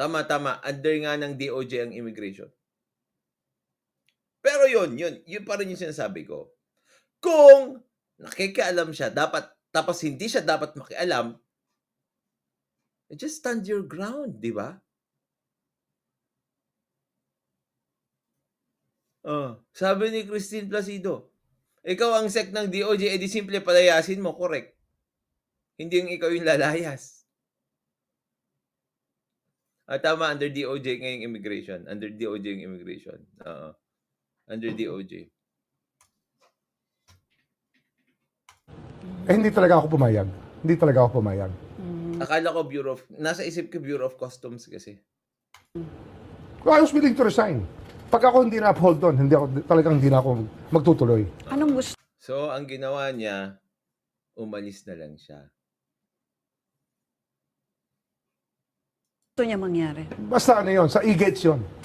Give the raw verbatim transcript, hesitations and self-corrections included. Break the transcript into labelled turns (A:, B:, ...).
A: Tama, tama. Under nga ng D O J ang immigration. Pero yun, yun. Yun pa rin yung sinasabi ko. Kung nakikialam siya, dapat, tapos hindi siya dapat makialam, just stand your ground, di ba? Oh, sabi ni Christine Placido, ikaw ang sec ng D O J, edi simple palayasin mo, correct. Hindi yung ikaw yung lalayas. Ah, tama, under D O J ngayong immigration. Under D O J yung immigration. Oo. Under D O J.
B: Eh, hindi talaga ako pumayag. Hindi talaga ako pumayag.
A: Akala ko Bureau of, nasa isip ko Bureau of Customs kasi.
B: I was willing to resign. Pag ako hindi na-uphold doon, hindi ako, talagang hindi na ako magtutuloy.
C: Anong gusto
A: So, ang ginawa niya, umalis na lang siya.
C: niya mangyari?
B: Basta ano yun, sa e-gates yun.